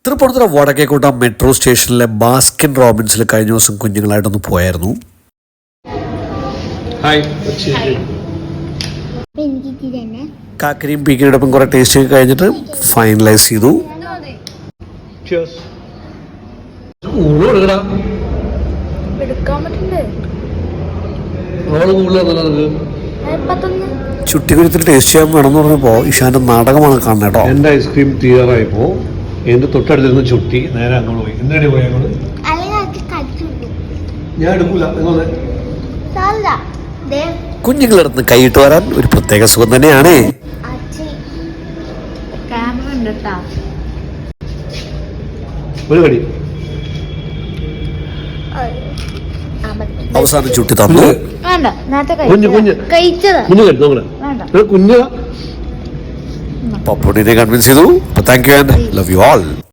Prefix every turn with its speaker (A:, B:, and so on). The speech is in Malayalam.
A: തൃപ്പൂണിത്തുറ വടക്കേക്കോട്ട മെട്രോ സ്റ്റേഷനിലെ ബാസ്കിൻ റോബിൻസിൽ കഴിഞ്ഞ ദിവസം കുഞ്ഞുങ്ങളായിട്ടൊന്ന് പോയായിരുന്നു. കാക്കരിയും പീക്കിനോടൊപ്പം കുറെ ടേസ്റ്റ് ഒക്കെ കഴിഞ്ഞിട്ട് ഫൈനലൈസ് ചെയ്തു. ചുട്ടിക്കുരുത്തിൽ ടേസ്റ്റ് ചെയ്യാൻ വേണമെന്ന് പറഞ്ഞപ്പോൾ ഇഷാന്റെ നാടകമാണ് കാണുന്നത് കേട്ടോ.
B: എൻ്റെ ഐസ്ക്രീം തീരാറായപ്പോൾ എൻ്റെ തൊട്ടടുത്തിരുന്ന് ചുട്ടി നേരെ അങ്ങോട്ട് പോയി. എന്താണ് പോയി അങ്ങോട്ട്? ഞാൻ എടുക്കൂല.
A: കുഞ്ഞുങ്ങളടുത്ത് കൈയിട്ട് വരാൻ ഒരു പ്രത്യേക സുഖം തന്നെയാണ്.
B: ഒരു കടി
A: അവസാനം ചുട്ടി തന്നു. പപ്പുണ്ണിനെ കൺവിൻസ് ചെയ്തു. Thank you and love you all.